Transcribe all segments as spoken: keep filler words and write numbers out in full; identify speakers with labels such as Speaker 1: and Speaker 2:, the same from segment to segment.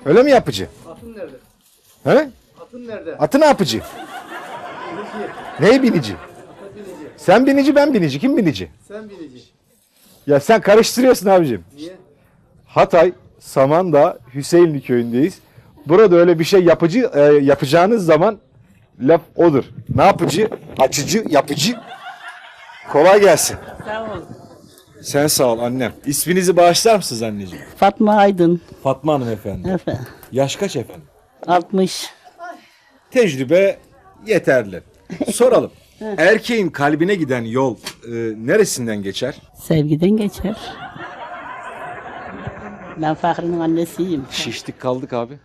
Speaker 1: Öyle mi yapıcı?
Speaker 2: Atın nerede?
Speaker 1: He?
Speaker 2: Atın nerede?
Speaker 1: Atı ne yapıcı?
Speaker 2: Binici.
Speaker 1: Ney binici?
Speaker 2: Ata binici.
Speaker 1: Sen binici, ben binici. Kim binici?
Speaker 2: Sen binici.
Speaker 1: Ya sen karıştırıyorsun abicim.
Speaker 2: Niye?
Speaker 1: Hatay, Samandağ, Hüseyinli köyündeyiz. Burada öyle bir şey yapıcı e, yapacağınız zaman laf odur. Ne yapıcı? Açıcı, yapıcı. Kolay gelsin.
Speaker 3: Sağ ol.
Speaker 1: Sen sağ ol annem. İsminizi bağışlar mısınız anneciğim?
Speaker 3: Fatma Aydın.
Speaker 1: Fatma Hanım efendim.
Speaker 3: Efendim.
Speaker 1: Yaş kaç efendim?
Speaker 3: altmış.
Speaker 1: Tecrübe yeterli. Soralım. Erkeğin kalbine giden yol e, neresinden geçer?
Speaker 3: Sevgiden geçer. Ben Fahri'nin annesiyim.
Speaker 1: Şiştik kaldık abi.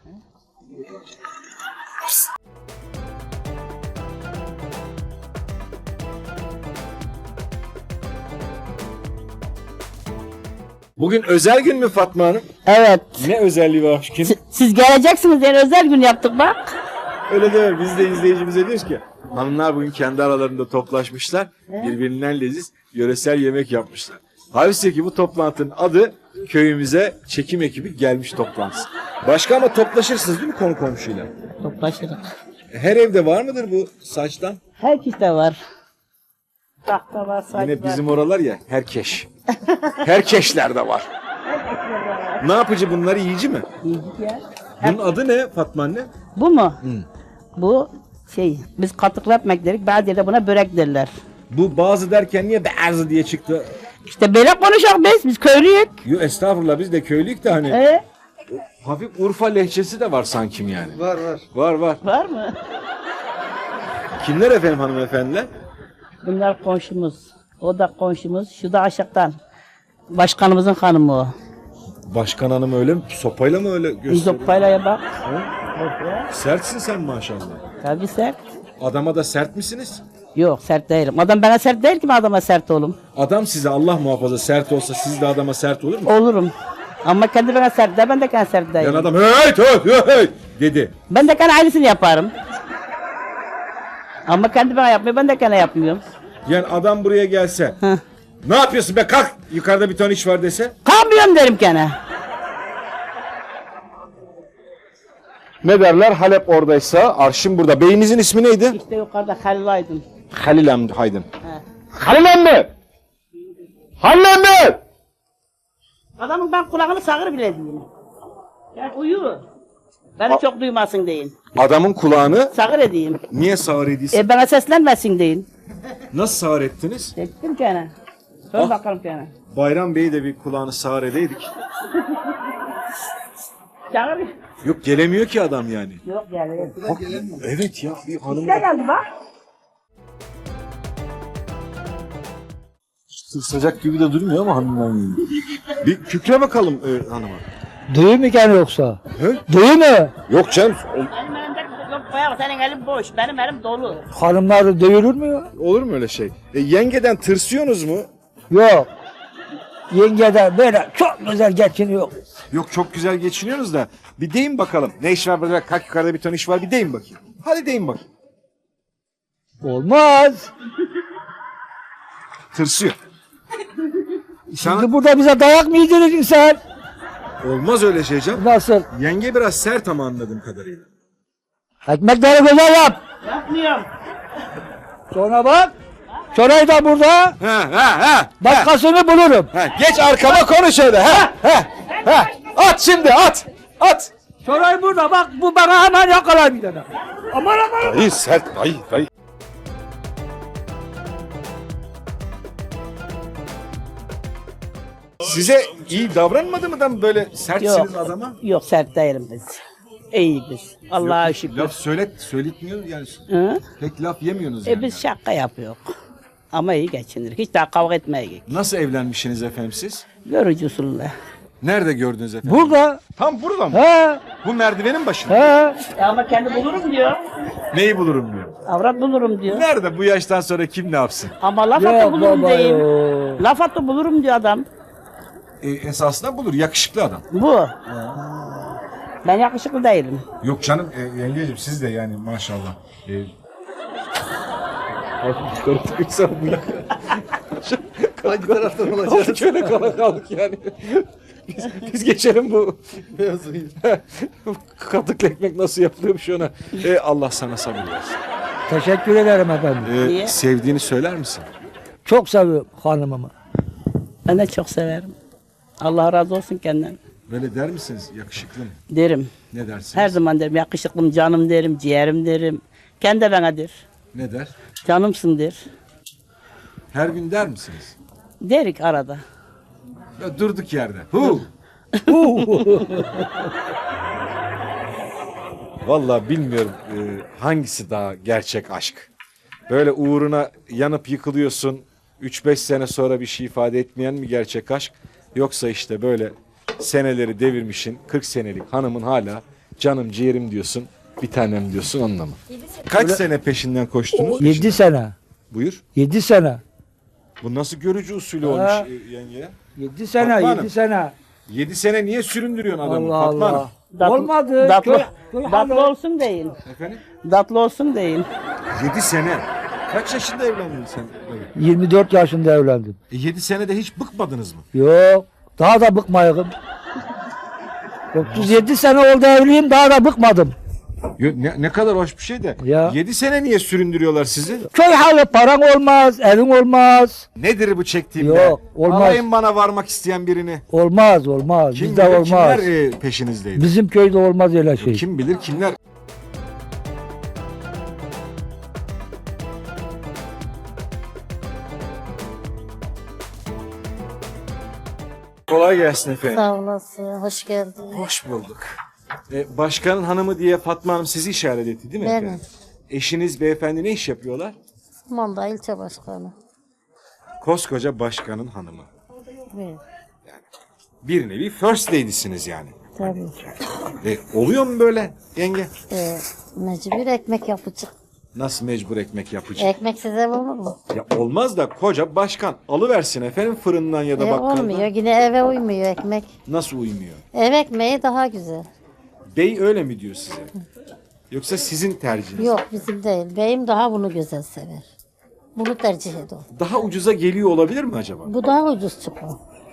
Speaker 1: Bugün özel gün mü Fatma Hanım?
Speaker 3: Evet.
Speaker 1: Ne özelliği var aşkım?
Speaker 3: Si- Siz geleceksiniz yani özel gün yaptık bak.
Speaker 1: Öyle deme. Biz de izleyicimize diyoruz ki hanımlar bugün kendi aralarında toplaşmışlar. Birbirinden leziz yöresel yemek yapmışlar. Halbuki ki bu toplantının adı köyümüze çekim ekibi gelmiş toplantısı. Başka ama toplaşırsınız değil mi konu komşuyla?
Speaker 3: Toplaşırız.
Speaker 1: Her evde var mıdır bu saçtan?
Speaker 3: Herkeste var. Tahta var, saç
Speaker 1: Yine
Speaker 3: var.
Speaker 1: bizim oralar ya herkeş. Herkeşler de var. Ne yapıcı bunlar yiyici mi?
Speaker 3: Yiyecek ya.
Speaker 1: Bunun adı ne Fatma anne?
Speaker 3: Bu mu? Bu şey, biz katıklı ekmek derik, bazı yerde buna börek derler.
Speaker 1: Bu bazı derken niye berzı diye çıktı?
Speaker 3: İşte böyle konuşak biz, biz köylüyük.
Speaker 1: Yo estağfurullah biz de köylüyük de hani
Speaker 3: Ee,
Speaker 1: hafif Urfa lehçesi de var sankim yani.
Speaker 2: Var var.
Speaker 1: Var var.
Speaker 3: var mı?
Speaker 1: Kimler efendim hanımefendiler?
Speaker 3: Bunlar komşumuz. O da komşumuz. Şu da aşağıdan. Başkanımızın hanımı o.
Speaker 1: Başkan hanım öyle mi? Sopayla mı öyle gösteriyor?
Speaker 3: İzopayla'ya bak.
Speaker 1: Sertsin sen maşallah.
Speaker 3: Tabii sert.
Speaker 1: Adama da sert misiniz?
Speaker 3: Yok sert değilim. Adam bana sert değil ki ben adama sert olum.
Speaker 1: Adam size Allah muhafaza sert olsa siz de adama sert olur mu?
Speaker 3: Olurum. Ama kendi bana sert değil, ben de kendi sert değilim.
Speaker 1: Yani adam hey hey hey dedi.
Speaker 3: Ben de kendi aynısını yaparım. Ama kendi bana yapmıyor, ben de kendi yapmıyorum.
Speaker 1: Yani adam buraya gelse
Speaker 3: Heh.
Speaker 1: ne yapıyorsun be kalk yukarıda bir ton iş var dese.
Speaker 3: Kalmıyorum derim gene.
Speaker 1: Ne derler Halep oradaysa arşın burada. Beyinizin ismi neydi?
Speaker 3: İşte yukarıda Halil Aydın.
Speaker 1: Halil Hamdi Haydın.
Speaker 3: He.
Speaker 1: Halil Hamdi! Halil Hamdi!
Speaker 3: Adamın ben kulağını sağır bile değilim. Yani uyu. Beni çok duymasın deyin.
Speaker 1: Adamın kulağını
Speaker 3: Sağır edeyim.
Speaker 1: niye sağır edilsin?
Speaker 3: E bana seslenmesin deyin.
Speaker 1: Nasıl sağır ettiniz?
Speaker 3: Ettim gene. Sor
Speaker 1: Ah.
Speaker 3: bakalım gene.
Speaker 1: Bayram Bey'i de bir kulağını sağır edeydik.
Speaker 3: Sağır.
Speaker 1: Yok gelemiyor ki adam yani.
Speaker 3: Yok yani.
Speaker 1: Evet ya bir hanım
Speaker 3: Ne geldi bak?
Speaker 1: sırsacak gibi de durmuyor ama hanımdan Bir kükre bakalım e, hanıma.
Speaker 4: Duyu mu gene yoksa?
Speaker 1: He?
Speaker 4: Duyu mu?
Speaker 1: Yok canım
Speaker 3: Benim elimde yok bayağı senin elin boş. Benim elim dolu.
Speaker 4: Hanımlar dövülür mü ya?
Speaker 1: olur mu öyle şey? E, yengeden tırsıyorsunuz mu?
Speaker 4: Yok. Yengeden böyle çok güzel geçiniyor.
Speaker 1: Yok çok güzel geçiniyorsunuz da bir deyin bakalım. Ne iş var burada? Kalk yukarıda bir ton iş var bir deyin bakayım. Hadi deyin bakayım.
Speaker 4: Olmaz.
Speaker 1: Tırsıyor. Sana...
Speaker 4: Şimdi burada bize dayak mı yedireceksin sen?
Speaker 1: Olmaz öyle şey canım.
Speaker 4: Nasıl?
Speaker 1: Yenge biraz sert ama anladığım kadarıyla.
Speaker 4: Ekmekleri güzel yap.
Speaker 3: Yapmıyorum.
Speaker 4: Sonra bak. Şurayı da burada.
Speaker 1: Ha ha ha.
Speaker 4: Başkasını bulurum.
Speaker 1: Ha, geç arkama konuş öyle. Ha ha ha. At şimdi at. At.
Speaker 4: Şurayı burada bak. Bu bana hemen yakalar bir tane. Aman aman.
Speaker 1: Dayı sert dayı dayı. Size iyi davranmadı mı da böyle sertsiniz
Speaker 3: Yok.
Speaker 1: adama?
Speaker 3: Yok sert değilim biz. İyi biz. Allah'a şükür.
Speaker 1: Laf söylet, söyletmiyor yani.
Speaker 3: Hı?
Speaker 1: Pek laf yemiyorsunuz
Speaker 3: E
Speaker 1: yani.
Speaker 3: biz şaka yapıyoruz. Ama iyi geçinir. Hiç daha kavga etmeye
Speaker 1: Nasıl evlenmişsiniz efendim siz?
Speaker 3: görücü usulüyle.
Speaker 1: Nerede gördünüz efendim?
Speaker 4: Burada.
Speaker 1: Tam burada mı?
Speaker 4: He.
Speaker 1: Bu merdivenin başında.
Speaker 4: He.
Speaker 3: Ya ama kendi bulurum diyor.
Speaker 1: Neyi bulurum diyor.
Speaker 3: Avrat bulurum diyor.
Speaker 1: Nerede bu yaştan sonra kim ne yapsın?
Speaker 3: Ama laf
Speaker 4: Yok
Speaker 3: atı bulurum
Speaker 4: baba
Speaker 3: diyeyim.
Speaker 4: yok.
Speaker 3: Laf atı bulurum diyor adam.
Speaker 1: E, esasında bulur yakışıklı adam.
Speaker 3: Bu. Ben yakışıklı değilim.
Speaker 1: Yok canım e, yengeciğim siz de yani maşallah. E,
Speaker 2: Hangi taraftan olacak?
Speaker 1: Şöyle kala kaldık yani. biz, biz geçelim bu katıklı ekmek nasıl yapılıyormuş ona. E, Allah sana sabır versin.
Speaker 4: Teşekkür ederim efendim.
Speaker 1: E,
Speaker 3: Niye?
Speaker 1: sevdiğini söyler misin?
Speaker 4: Çok seviyorum hanımımı.
Speaker 3: Ben de çok severim. Allah razı olsun kendinden.
Speaker 1: Böyle der misiniz? Yakışıklı mı?
Speaker 3: Derim.
Speaker 1: Ne dersiniz?
Speaker 3: Her zaman derim. Yakışıklım, canım derim, ciğerim derim. Kendi de bana der.
Speaker 1: Ne der?
Speaker 3: Canımsın der.
Speaker 1: Her gün der misiniz?
Speaker 3: Derik arada.
Speaker 1: Ya durduk yerde. Hu! Vallahi bilmiyorum e, hangisi daha gerçek aşk. Böyle uğruna yanıp yıkılıyorsun. üç beş sene sonra bir şey ifade etmeyen mi gerçek aşk? Yoksa işte böyle seneleri devirmişin kırk senelik hanımın hala canım ciğerim diyorsun. Bir tanem diyorsun onunla mı? Kaç sene peşinden koştunuz?
Speaker 4: Yedi sene.
Speaker 1: Buyur.
Speaker 4: Yedi sene.
Speaker 1: Bu nasıl görücü usulü
Speaker 4: Ha.
Speaker 1: olmuş e, yenge?
Speaker 4: Yedi sene,
Speaker 1: Fatma Hanım.
Speaker 4: yedi sene.
Speaker 1: yedi sene niye süründürüyorsun adamı?
Speaker 4: Allah
Speaker 1: Fatma Hanım?
Speaker 4: Allah.
Speaker 3: Tatlı-
Speaker 4: Olmadı.
Speaker 3: Tatlı,
Speaker 4: Köy- köy
Speaker 3: tatlı
Speaker 4: hanı-
Speaker 3: olsun deyin.
Speaker 1: Efendim?
Speaker 3: Tatlı olsun deyin.
Speaker 1: yedi sene. Kaç yaşında evlendin sen? Evet.
Speaker 4: yirmi dört yaşında evlendim.
Speaker 1: E yedi senede hiç bıkmadınız mı?
Speaker 4: Yok. Daha da bıkmayayım. otuz yedi sene oldu evliyim, daha da bıkmadım.
Speaker 1: Yo, Ne, ne kadar hoş bir şey de.
Speaker 4: Ya.
Speaker 1: yedi sene niye süründürüyorlar sizi?
Speaker 4: Köy halı, paran olmaz, evin olmaz.
Speaker 1: Nedir bu çektiğim
Speaker 4: Yok,
Speaker 1: be?
Speaker 4: olmaz.
Speaker 1: Alayım bana varmak isteyen birini.
Speaker 4: Olmaz, olmaz.
Speaker 1: Kim
Speaker 4: Bizde
Speaker 1: bilir
Speaker 4: olmaz.
Speaker 1: kimler e, peşinizdeydi?
Speaker 4: Bizim köyde olmaz öyle şey.
Speaker 1: Kim bilir kimler? Kolay gelsin efendim.
Speaker 5: Sağ olasın, hoş geldin.
Speaker 1: Hoş bulduk. E, başkanın hanımı diye Fatma Hanım sizi işaret etti değil mi
Speaker 5: Benim.
Speaker 1: efendim? Eşiniz beyefendi ne iş yapıyorlar?
Speaker 5: Manda ilçe başkanı.
Speaker 1: Koskoca başkanın hanımı.
Speaker 5: Evet,
Speaker 1: Bir nevi first lady'siniz yani.
Speaker 5: tabii.
Speaker 1: E, oluyor mu böyle yenge?
Speaker 5: Ee, mecbur ekmek yapacak.
Speaker 1: Nasıl mecbur ekmek yapacak?
Speaker 5: Ekmek size olur mu?
Speaker 1: Ya olmaz da koca başkan alıversin efendim fırından ya da
Speaker 5: E,
Speaker 1: bakkaldan.
Speaker 5: olmuyor, yine eve uymuyor ekmek.
Speaker 1: Nasıl uymuyor?
Speaker 5: Ev ekmeği daha güzel.
Speaker 1: Bey öyle mi diyor size? Yoksa sizin tercihiniz?
Speaker 5: Yok bizim değil, beyim daha bunu güzel sever. Bunu tercih ediyor.
Speaker 1: Daha ucuza geliyor olabilir mi acaba?
Speaker 5: Bu daha ucuz çıkıyor.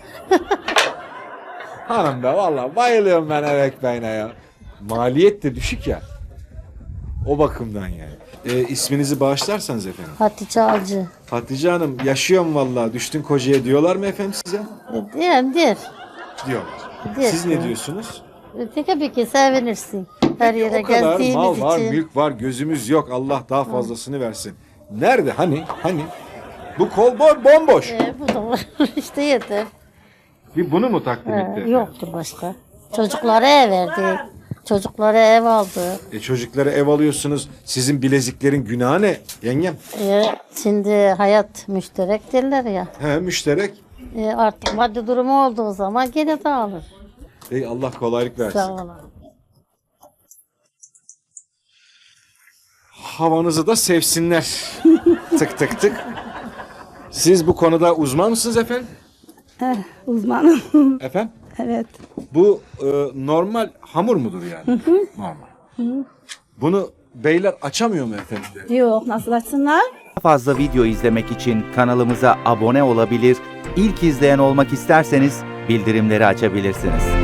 Speaker 1: Hanım be vallahi bayılıyorum ben ev ekmeğine ya. Maliyet de düşük ya. O bakımdan yani. E, isminizi bağışlarsanız efendim.
Speaker 5: Hatice Alcı.
Speaker 1: Hatice Hanım yaşıyorum vallahi düştün kocaya diyorlar mı efendim size?
Speaker 5: E, Diyelim der.
Speaker 1: Diyorlar.
Speaker 5: Der.
Speaker 1: Siz ne diyorsunuz?
Speaker 5: E, Tabii ki sevinirsin. Her yere
Speaker 1: O kadar
Speaker 5: gezdiğimiz
Speaker 1: mal var,
Speaker 5: için.
Speaker 1: mülk var, gözümüz yok. Allah daha fazlasını versin. Nerede? Hani? Hani? Bu kol bo- bomboş.
Speaker 5: E, bu da var. işte yeter.
Speaker 1: Bir bunu mu takdim
Speaker 5: He,
Speaker 1: etti?
Speaker 5: yoktur başka. Çocuklara ev verdik. Çocuklara ev aldı.
Speaker 1: E çocuklara ev alıyorsunuz. Sizin bileziklerin günahı ne yengem?
Speaker 5: E, şimdi hayat müşterek derler ya.
Speaker 1: He müşterek.
Speaker 5: E, artık maddi durumu olduğu zaman gene dağılır.
Speaker 1: Ey Allah kolaylık versin.
Speaker 5: Sağ olun.
Speaker 1: Havanızı da sevsinler. tık tık tık. Siz bu konuda uzman mısınız efendim?
Speaker 6: Uzmanım.
Speaker 1: Efendim?
Speaker 6: Evet.
Speaker 1: Bu e, normal hamur mudur yani? Normal. Bunu beyler açamıyor mu efendim?
Speaker 6: Yok, nasıl açsınlar?
Speaker 7: Daha fazla video izlemek için kanalımıza abone olabilir, ilk izleyen olmak isterseniz bildirimleri açabilirsiniz.